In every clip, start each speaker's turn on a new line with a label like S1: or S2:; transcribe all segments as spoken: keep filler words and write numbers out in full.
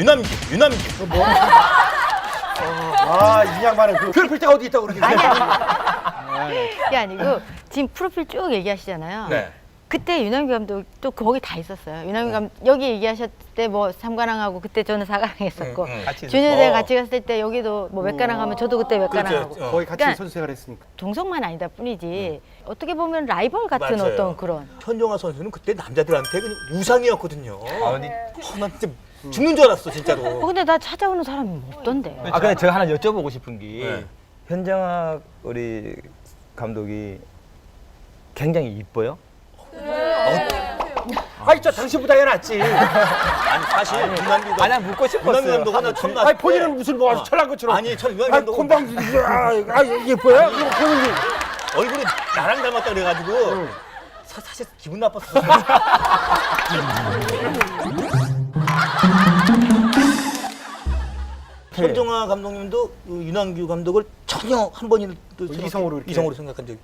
S1: 유남규, 유남규.
S2: 뭐? 아, 이 양반은 그 괴롭힐 데가 어디 있다고 그러게.
S3: 아니 아니. 그게 아니고 지금 프로필 쭉 얘기하시잖아요.
S1: 네.
S3: 그때 유남규 감독 또 거기 다 있었어요. 유남규 감독 여기 얘기하셨을 때 뭐 삼관왕하고 그때 저는 사관왕 했었고
S1: 응, 응.
S2: 같이
S3: 준효대
S1: 어.
S3: 같이 갔을 때 여기도 뭐 몇관왕 하면 저도 그때 몇관왕하고
S1: 그렇죠. 어.
S2: 거의 같이
S3: 그러니까
S2: 선수 생활했으니까.
S3: 동성만 아니다 뿐이지 어떻게 보면 라이벌 같은
S1: 맞아요.
S3: 어떤 그런
S1: 현정아 선수는 그때 남자들한테 그냥 우상이었거든요.
S4: 아니,
S1: 어, 나 진짜 죽는 줄 알았어,
S3: 어,
S1: 진짜로.
S3: 근데 나 찾아오는 사람이 없던데.
S4: 아 근데 제가 하나 여쭤보고 싶은 게
S1: 네.
S4: 현정학 우리 감독이 굉장히 이뻐요.
S2: 아이, 저 당신보다 애 낫지.
S1: 아니, 사실 유남규가
S4: 아니 묻고 싶었어요.
S1: 유남규 감독 하나 처음 나왔을
S2: 아니,
S1: 때
S2: 본인은 무슨 뭐 아주 철난 것처럼.
S1: 아니, 전 유남규
S2: 아,
S1: 감독
S2: 콤방지. 아, 아, 예뻐요? 이거 보는 게.
S1: 얼굴이 나랑 닮았다 그래가지고 사, 사실 기분 나빴어. 현정아 감독님도 그 유남규 감독을 전혀 한 번이라도 생각-
S2: 이성으로 이렇게.
S1: 이성으로 생각한 적이.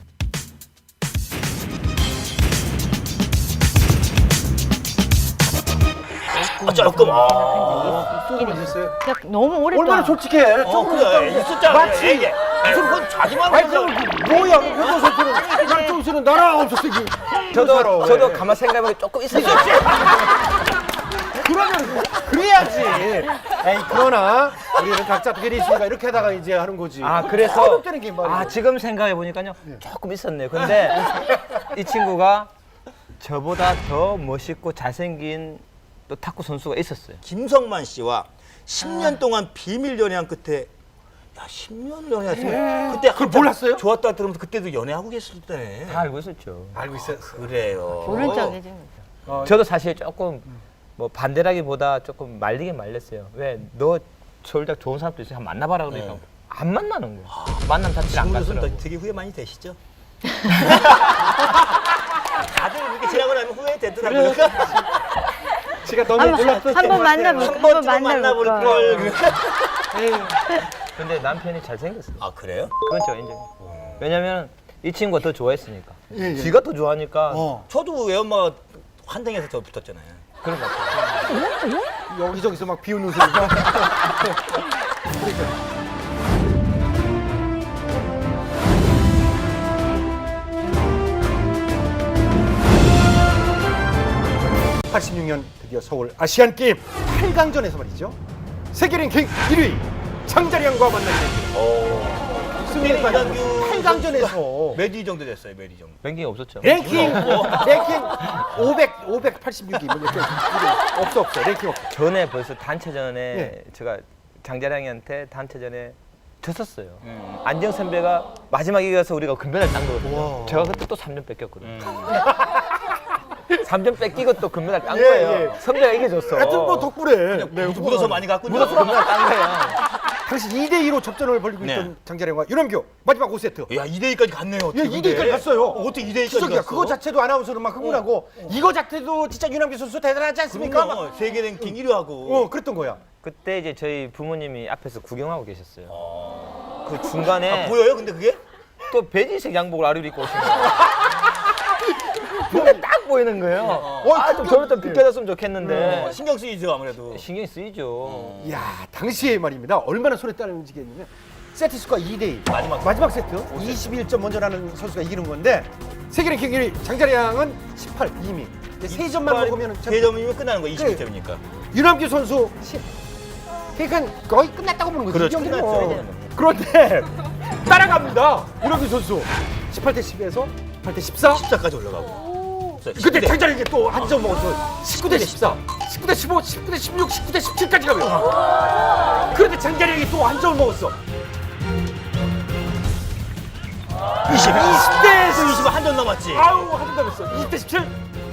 S1: 아, 조금. 아,
S2: 조금 있었어요.
S3: 그러니까 너무 오랫동안
S2: 얼마나 솔직해.
S1: 어,
S2: 조금
S1: 그래. 있었잖아.
S2: 맞지?
S1: 이게. 무슨 그건 자기만
S2: 아니,
S1: 그냥-
S2: 그럼 뭐야? 현정 선수는 양정 씨는 나랑 없었어. 이게.
S4: 저도 저도
S2: 왜?
S4: 가만 생각해보니 조금 있었어요.
S2: 그러면 그래야지. 에이, 그러나 우리는 각자 특별히 있으니까 이렇게 하다가 이제 하는 거지.
S4: 아 그래서
S2: 어렵다는 게 말이야.
S4: 아 지금 생각해 보니까요 조금 있었네요. 근데 이 친구가 저보다 더 멋있고 잘생긴 또 탁구 선수가 있었어요.
S1: 김성만 씨와 십 년 동안 비밀 연애한 끝에 야, 십 년을 연애했으면 그때
S2: 그걸
S1: 한참
S2: 몰랐어요?
S1: 좋았다 들으면서 그때도 연애하고 계실 때네.
S4: 다 알고 있었죠.
S2: 알고 있어요.
S1: 그래요.
S3: 모른 척이지.
S4: 저도 사실 조금 뭐 반대라기보다 조금 말리긴 말렸어요. 왜 너 서울대학 좋은 사람도 있어 한번 만나봐라 그러니까
S1: 네.
S4: 안 만나는 거야. 만남 자체를 안
S1: 지금으로서는
S4: 갔더라고.
S1: 되게 후회 많이 되시죠? 다들 이렇게 지나고 나면 후회 되더라고요.
S2: 제가 너무
S3: 한번
S2: 몰랐던
S3: 한번 만나볼
S1: 한
S3: 한번
S1: 번쯤
S3: 만나볼
S1: 만나볼
S3: 걸.
S1: 걸.
S4: 근데 남편이 잘생겼어요.
S1: 아 그래요?
S4: 그건 제가 인정해요. 왜냐면 이 친구가 더 좋아했으니까.
S2: 예, 예.
S4: 지가 더 좋아하니까
S2: 어.
S1: 저도 외엄마가 환생해서 저 붙었잖아요.
S4: 그런 것 같아요.
S2: 여기저기서 막 비웃는 소리가. 팔십육 년 드디어 서울 아시안 게임 팔 강전에서 말이죠. 세계 랭킹 일 위 장자량과 만나게 됩니다.
S1: 어.
S2: 승리가
S1: 유남규
S2: 팔 강전에서
S1: 몇 위 정도 됐어요? 몇 위 정도?
S4: 랭킹이 없었죠.
S2: 랭킹 랭킹 오백 오백팔십육 위 뭐 이렇게 없어 없어 랭킹 없어.
S4: 전에 벌써 단체전에
S2: 예.
S4: 제가 장자량이한테 단체전에 졌었어요. 안정 선배가 마지막 이겨서 우리가 금메달 딴 거거든요.
S2: 와.
S4: 제가 그때 또 삼 점 뺏겼거든요. 삼 점 뺏기고 또 금메달 딴
S2: 예,
S4: 거예요.
S2: 예.
S4: 선배가 이겨줬어.
S2: 하여튼 뭐 덕분에 네,
S1: 묻어서 많이 갔군요.
S4: 묻어서 금메달 딴 거예요.
S2: 당시 이 대 이로 접전을 벌이고
S1: 네.
S2: 있던 장자량과 유남규 마지막 오 세트.
S1: 야, 이 대 이까지 갔네요.
S2: 예,
S1: 어떻게
S2: 이 대 이까지 갔어요.
S1: 어, 어떻게 이 대 이까지
S2: 기적이야.
S1: 갔어?
S2: 그거 자체도 아나운서는 막 흥분하고 이거 자체도 진짜 유남규 선수 대단하지 않습니까? 막,
S1: 그럼요. 세계 랭킹 일 위 하고.
S2: 어, 그랬던 거야.
S4: 그때 이제 저희 부모님이 앞에서 구경하고 계셨어요. 그 중간에
S1: 아, 보여요? 근데 그게?
S4: 또 베지색 양복을 아래로 입고 오신 거예요. 근데 딱 보이는 거예요.
S2: 어,
S4: 아, 좀 저를 좀 비켜줬으면 좋겠는데.
S1: 어, 신경 쓰이죠, 아무래도.
S4: 신경이 쓰이죠.
S2: 이야, 당시에 말입니다. 얼마나 손에 따르는지겠냐면 세트 스코어 이 대 이.
S1: 마지막
S2: 마지막 세트 이십일 점 먼저 나는 선수가 이기는 건데 세계 랭킹 일 위 장자량은 십팔 이미. 세 점만 먹으면
S1: 세 점이면 끝나는 거 이십일 점이니까.
S2: 유남규 선수 십. 그러니까 거의 끝났다고 보는 거지.
S1: 그렇죠,
S2: 이 경기는
S1: 끝났죠.
S2: 뭐. 그런데 따라갑니다. 유남규 선수 십팔 대 십에서 팔 대 십사.
S1: 십사까지 올라가고.
S2: 그때 장자량이 또 한 점 먹었어. 십구 대 십사, 십구 대 십오, 십구 대 십육, 십구 대 십칠까지 가요. 그런데 장자량이 또 한 점을 먹었어.
S1: 이십.
S2: 이십 대에서
S1: 이십 한 점 남았지.
S2: 아우 한 점 남았어. 이십 대 십칠.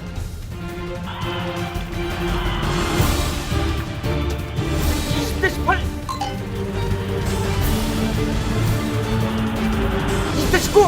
S2: 이십 대 십팔. 이십 대 십구.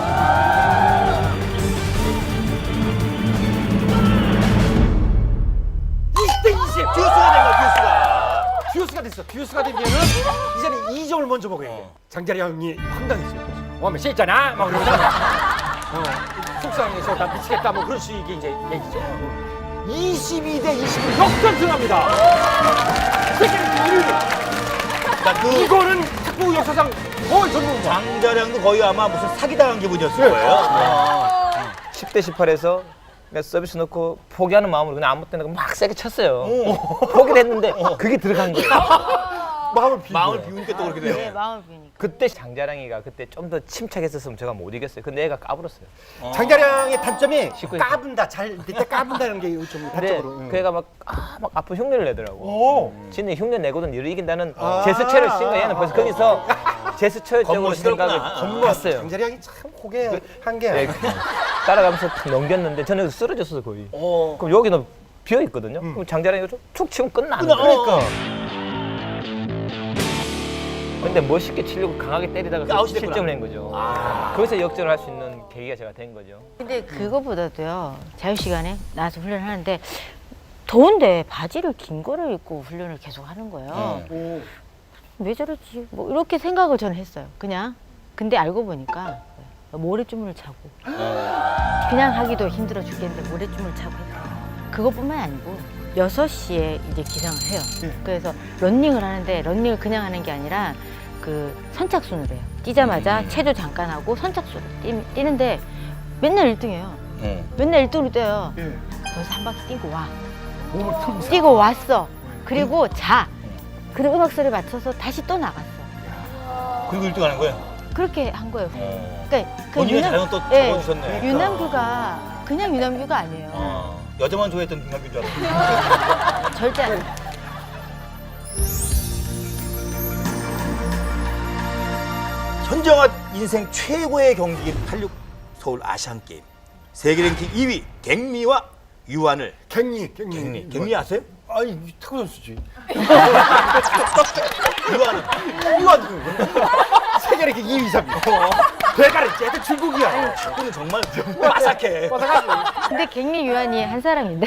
S2: 이십 대 이십.
S1: 듀스가 된 거야, 듀스가.
S2: 듀스가 됐어. 듀스가 되면은 이제는 이 점을 먼저 먹어야 돼. 장자량이 황당했어요. 와면 씻잖아. 막 그러잖아. 어, 속상해서 나 미치겠다. 뭐 그런 식의 이제 얘기죠. 이십이 대 이십일 역전승합니다. 세계랭킹 일 위.
S1: 그러니까 그
S2: 이거는 탁구 역사상 거의 전문가.
S1: 장자량도 거의 아마 무슨 사기당한 기분이었을 거예요.
S4: 십 대 십팔에서 그냥 서비스 넣고 포기하는 마음으로 그냥 아무 때나 막 세게 쳤어요. 포기를 했는데 그게 들어간 거예요.
S2: 마음을 비운
S1: 마음을
S2: 거예요.
S1: 비우니까 또 그렇게
S3: 네,
S1: 돼요.
S3: 마음을 비우니까.
S4: 그때 장자랑이가 그때 좀 더 침착했었으면 제가 못 이겼어요. 근데 애가 까불었어요.
S2: 장자량의 단점이
S4: 십구
S2: 까분다, 잘 밑에 까분다는 게 좀
S4: 근데
S2: 단점으로. 응.
S4: 그 애가 막, 아, 막 아픈 흉내를 내더라고.
S2: 오.
S4: 지는 흉내 내거든 얘를 이긴다는
S2: 아.
S4: 제스처를 쓴 거야. 얘는 벌써 거기서 제스처적으로
S1: 겉멋이더구나.
S4: 생각을
S1: 겉멋.
S4: 했어요.
S2: 장자량이 참 고개 한 개.
S4: 네, 따라가면서 탁 넘겼는데 저는 쓰러졌어 거의.
S1: 어.
S4: 그럼 여기는 비어 있거든요. 그럼 장자랑이 툭 치면 끝나는
S1: 끝나-
S4: 거예요.
S1: 그러니까.
S4: 근데 멋있게 치려고 강하게 때리다가
S1: 그러니까 아웃이 됐구나.
S4: 실점을 한 거죠. 거기서 역전을 할 수 있는 계기가 제가 된 거죠.
S3: 근데 그거보다도요, 자유 시간에 나와서 훈련을 하는데 더운데 바지를 긴 거를 입고 훈련을 계속 하는 거예요.
S2: 오.
S3: 왜 저러지? 뭐 이렇게 생각을 저는 했어요. 그냥. 근데 알고 보니까 모래주머니를 차고 그냥 하기도 힘들어 죽겠는데 모래주머니를 차고 했어요. 그것뿐만 아니고 여섯 시에 이제 기상을 해요.
S2: 네.
S3: 그래서 런닝을 하는데 런닝을 그냥 하는 게 아니라 그 선착순으로 해요. 뛰자마자 체조 잠깐 하고 선착순으로 뛰, 뛰는데 맨날 일 등이에요.
S1: 응.
S3: 맨날 일 등으로 뛰어요.
S2: 예.
S3: 거기서 한 바퀴 뛰고 와.
S2: 몸을 풀면서.
S3: 뛰고 왔어. 그리고 자. 그리고 음악 소리 맞춰서 다시 또 나갔어.
S1: 그리고 일 등 하는 거예요.
S3: 그렇게 한 거예요.
S1: 어.
S3: 그러니까 그
S1: 본인의
S3: 유남-
S1: 자연 또
S3: 예,
S1: 적어주셨네.
S3: 유남규가 그냥 유남규가 아니에요.
S1: 어. 여자만 좋아했던 김남규인 줄 알았어.
S3: 절대 아니에요.
S1: 현정아 인생 최고의 경기인 팔십육 서울 아시안게임. 세계 랭킹 이 위 갱미와 유한을.
S2: 갱리, 갱리.
S1: 갱리. 갱리 아세요?
S2: 아니, 탁구 선수지.
S1: 유한은.
S2: 이거 세계랭킹 이 위, 삼 위. 배가를 째도 중국이야.
S1: 축구는 정말 빠삭해.
S3: 근데 갱리 유한이 한 사람인데.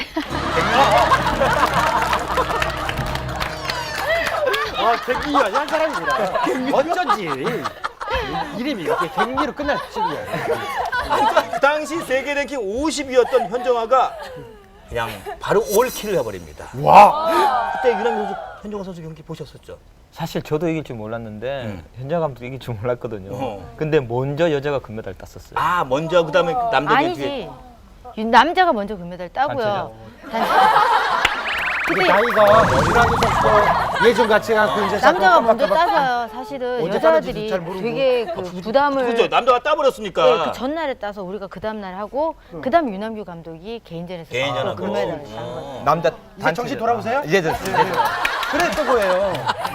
S2: 아, 갱리야, 한 사람이구나. 어쩐지. 이름이 이렇게 갱리로 끝날 줄이야.
S1: 그 당시 세계 랭킹 오십 위였던 현정아가 그냥 바로 올킬을 해버립니다.
S2: 와.
S1: 그때 유남규 선수, 현정아 선수 경기 보셨었죠?
S4: 사실 저도 이길 줄 몰랐는데
S1: 음.
S4: 현장 감독 이길 줄 몰랐거든요.
S1: 어.
S4: 근데 먼저 여자가 금메달 땄었어요.
S1: 아 먼저 그 다음에 남자들 뒤에.
S3: 아니지. 유- 남자가 먼저 금메달 따고요. 단체.
S2: 근데
S3: 근데
S2: 나이가 유남규 선수도 예전 같이 갖고 이제
S3: 남자가 먼저 따서요. 사실은
S2: 언제
S3: 여자들이
S2: 따는지도 잘 모르고.
S3: 되게 그 부담을
S1: 그죠? 남자가 따버렸으니까.
S3: 네, 그 전날에 따서 우리가 그 다음 날 하고 그 다음 유남규 감독이 개인전에서
S1: 개인전하고.
S3: 또 금메달을 딴 거예요.
S4: 남자
S2: 이제
S4: 단체
S2: 정신 돌아오세요?
S4: 이제 됐어요. 이제 됐어요.
S2: 그래 또 뭐예요?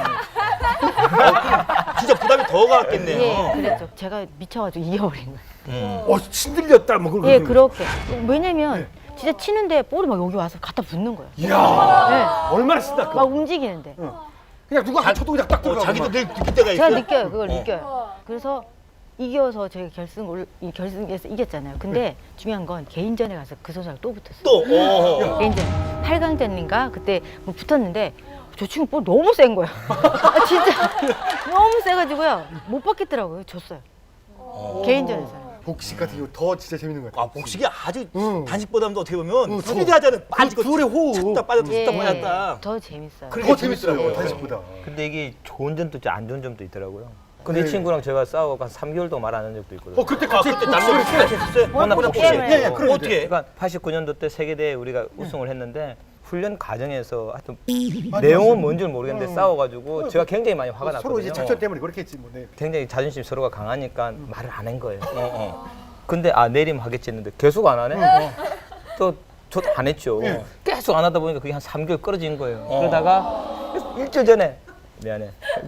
S1: 진짜 부담이 더 가겠네요.
S3: 예, 그랬죠. 제가 미쳐가지고 이겨버린 거예요.
S1: 음.
S2: 어, 신들렸다 뭐 그런
S3: 예,
S2: 거.
S3: 그렇게. 왜냐면 진짜 치는데 볼이 막 여기 와서 갖다 붙는 거예요.
S2: 이야.
S3: 예,
S2: 얼마나 쓴다
S3: 막
S2: 그.
S3: 움직이는데.
S2: 그냥 누가 한 쳐도 그냥 딱
S1: 어,
S2: 들어가고.
S1: 자기도
S2: 막.
S1: 늘 느낄 때가
S3: 제가
S1: 있어요.
S3: 느껴요. 그걸
S1: 어.
S3: 느껴요. 그래서 이겨서 저희가 결승 올, 이 결승에서 이겼잖아요. 근데 중요한 건 개인전에 가서 그 선수랑 또 붙었어요.
S1: 또. 어.
S3: 개인전 팔 강전인가 그때 뭐 붙었는데 저 친구 볼 너무 센 거예요. 아, 진짜 너무 세가지고요 못 받겠더라고요. 졌어요. 개인전에서.
S2: 복식 같은 경우 더 진짜 재밌는 거야.
S1: 아 복식이 아주
S2: 응.
S1: 단식보다도 어떻게 보면
S2: 응,
S1: 스피드하자는 빠지고
S2: 그 둘의 호흡.
S1: 쳤다 빠졌다
S3: 예,
S1: 쳤다 빠졌다.
S3: 더 재밌어요.
S1: 그래.
S2: 더
S1: 그게
S2: 재밌어요.
S1: 재밌더라고요.
S2: 단식보다.
S4: 근데 이게 좋은 점도 있고 안 좋은 점도 있더라고요. 근데
S2: 네.
S4: 이 친구랑 제가 싸우고 한 삼 개월 동안 말 안 한 적도 있거든요.
S2: 어 그때
S1: 아
S2: 같이
S1: 그때 남자 복식 같이 했었어요?
S4: 워낙
S3: 뭐
S4: 복식.
S3: 게임을
S2: 예, 예,
S3: 해요.
S2: 그래.
S1: 어떻게?
S4: 그러니까 팔십구 년도 때 세계대회 우리가 우승을 했는데 훈련 과정에서 하여튼
S2: 맞아,
S4: 내용은
S2: 맞아.
S4: 뭔지는 모르겠는데
S2: 어.
S4: 싸워가지고 제가 굉장히 많이 화가
S2: 서로 이제
S4: 났거든요.
S2: 작전 때문에 그렇겠지 뭐. 네.
S4: 굉장히 자존심 서로가 강하니까 말을 안 한 거예요.
S1: 어, 어.
S4: 근데 아 내리면 하겠지 했는데 계속 안 하네. 또 저도 안 했죠.
S2: 예.
S4: 계속 안 하다 보니까 그게 한 삼 개월 끌어진 거예요.
S1: 어.
S4: 그러다가 일주일 전에 미안해.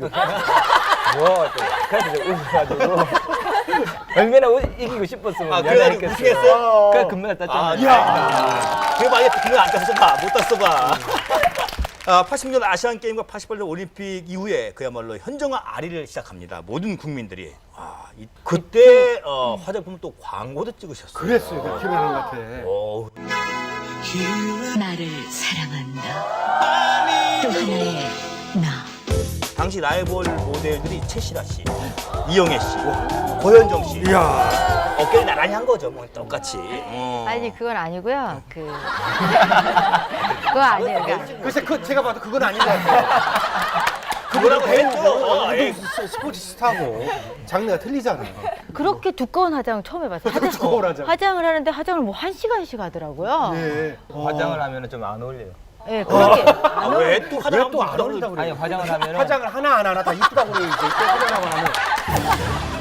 S4: 뭐 그래서 제가 웃어가지고 얼마나 우- 이기고 싶었으면
S1: 아 그래가지고
S4: 미안했겠어요.
S1: 우승했어요?
S4: 그래 금메달 땄잖아요.
S1: 아, 이야. 그거 만약에 그거 안 땄어 봐. 못 땄어 봐. 아, 팔십 년 아시안 게임과 팔십팔 년 올림픽 이후에 그야말로 현정아 아리를 시작합니다. 모든 국민들이. 와, 이, 그때 어, 화장품 또 광고도 찍으셨어요.
S2: 그랬어요. 그 기억나는 것 같아.
S1: 오,
S5: 나를 사랑한다. 또 하나의 나.
S1: 당시 라이벌 모델들이 최시라 씨, 이영애 씨, 고현정 씨.
S2: 이야.
S1: 어깨를 나란히 한 거죠. 뭐 똑같이. 어.
S3: 아니 그건 아니고요. 그 그거 아니에요. 그러니까
S2: 글쎄 그 제가 봐도 그건 아닌 것 같아요.
S1: 그거라고 했죠. 어, 에이.
S2: 운동 스포츠 스타고 장르가 틀리잖아요.
S3: 그렇게 두꺼운 화장 처음 해봤어요. 화장,
S2: 두꺼운 화장.
S3: 화장을 하는데 화장을 뭐 한 시간씩 하더라고요.
S2: 예.
S4: 화장을 하면 좀 안 어울려요.
S3: 예, 그렇게
S1: 아, 왜또 화장
S2: 왜 또 안 어울린다고
S4: 아니
S2: 그래요?
S4: 화장을 하면
S2: 화장을 하나 하나 하나 다 이쁘다고 그래요. 이제 또 화장하고 하면.